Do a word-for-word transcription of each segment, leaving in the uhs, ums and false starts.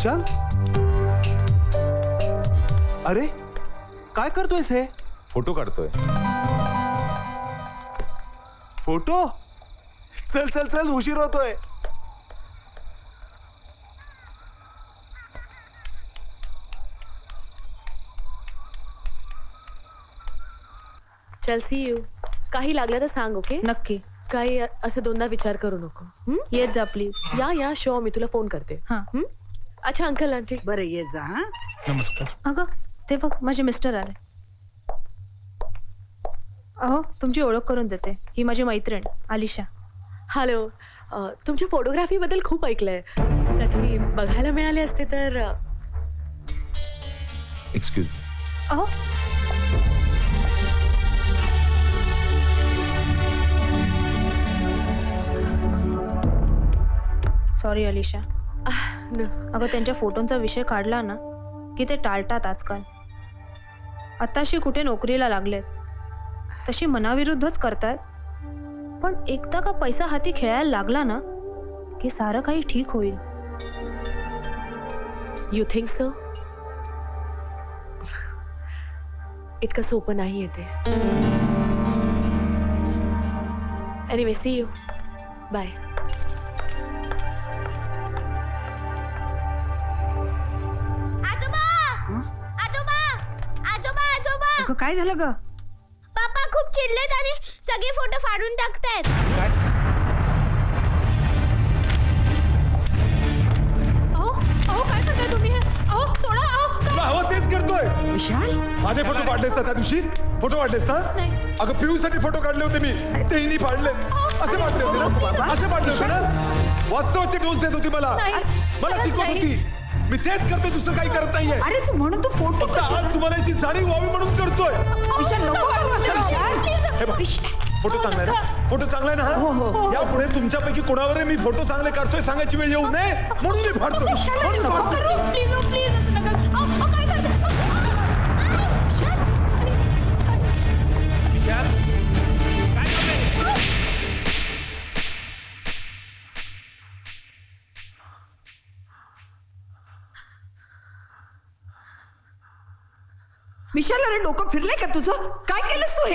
विशाल, अरे काय करतोयस हे? फोटो काढतोय. फोटो? चल चल चल, उशीर होतोय. चल सी यू. काही लागलं तर सांग. ओके नक्की. काही असं दोनदा विचार करू नको. हं? येत जा प्लीज. या या शो मी तुला फोन करते. हां. हं? अच्छा अंकल आंटी. बरं ये जा. हा नमस्कार. अगं ते बघ माझे मिस्टर आले. अहो तुमची ओळख करून देते, ही माझी मैत्रीण आलिशा. हॅलो. अ, तुमच्या फोटोग्राफी बद्दल खूप ऐकलंय. कधी बघायला मिळाले असते तर. Uh, excuse me. अहो सॉरी अलिशा. न. अगं त्यांच्या फोटोंचा विषय काढला ना की ते टाळतात आजकाल. आत्ताशी कुठे नोकरीला लागलेत, तशी मनाविरुद्धच करतात. पण एकदा का पैसा हाती खेळायला लागला ना की सारं काही ठीक होईल. You think so? इतकं सोपं नाहीये ते. Anyway see you. बाय. अगं काय झालं ग? पापा खूप चिडलेत आणि सगळे फोटो फाडून टाकतायत. अहो अहो काय करताय तुम्ही हे? अहो सोडा. अहो तुला हवं तेच करतोय. विशाल माझे फोटो काढलेस ना त्या दिवशी? फोटो काढलेस ना? नाही. अगं पिऊ साठी फोटो काढले होते मी, तेही फाडले. असे फाडले होते ना? असे फाडले होते ना? वास्तवाचे डोस देत होती मला, नाही. मला खरंच शिकवत नाही. होती. मी तेच करतोय, दुसरं काही करत नाहीये. अरे तू म्हणून तू फोटो फक्त आज तुम्हाला याची जाणीव व्हावी म्हणून करतोय. विशाल नको करू असं, विशाल. हे बघ, फोटो चांगला आहे ना? फोटो चांगला आहे हो, ना? हो. यापुढे तुमच्यापैकी कोणावर मी फोटो चांगले काढतोय सांगायची वेळ येऊ नये म्हणून मी फाडतोय. म्हणून फाडतोय. प्लीज प्लीज काय करताय? विशाल काय करतोय? विशाल अरे डोकं फिरलंय का तुझं? काय केलंस तू हे?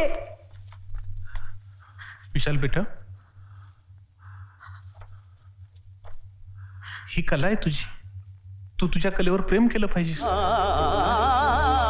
विशाल बेटा, ही कला आहे तुझी. तू तुझ्या कलेवर प्रेम केलं पाहिजे.